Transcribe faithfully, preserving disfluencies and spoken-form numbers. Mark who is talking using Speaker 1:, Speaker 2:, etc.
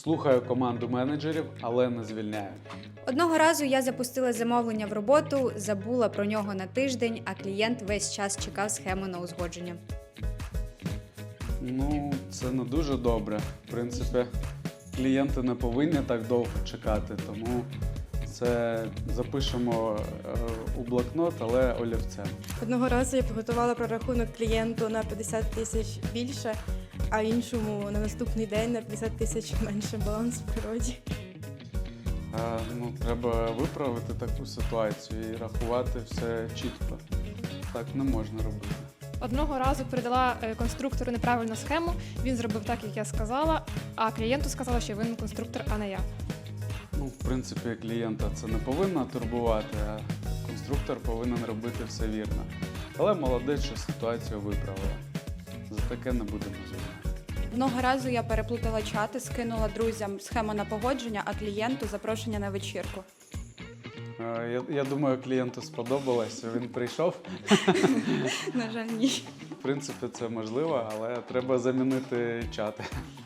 Speaker 1: Слухаю команду менеджерів, але не звільняю.
Speaker 2: Одного разу я запустила замовлення в роботу, забула про нього на тиждень, а клієнт весь час чекав схему на узгодження.
Speaker 1: Ну, це не дуже добре. В принципі, клієнти не повинні так довго чекати, тому це запишемо е, у блокнот, але олівцем.
Speaker 3: Одного разу я підготувала прорахунок клієнту на п'ятдесят тисяч більше, а іншому на наступний день на п'ятдесят тисяч менше баланс в природі.
Speaker 1: Е, ну, треба виправити таку ситуацію і рахувати все чітко. Так не можна робити.
Speaker 4: Одного разу передала е, конструктору неправильну схему, він зробив так, як я сказала, а клієнту сказала, що винен конструктор, а не я.
Speaker 1: Ну, в принципі, клієнта це не повинно турбувати, а конструктор повинен робити все вірно. Але молодець, що ситуацію виправила. За таке не будемо звільняти.
Speaker 5: Одного разу я переплутала чати, скинула друзям схему на погодження, а клієнту запрошення на вечірку.
Speaker 1: Е, Я, я думаю, клієнту сподобалось, він прийшов.
Speaker 5: На жаль, ні.
Speaker 1: В принципі, це можливо, але треба замінити чати.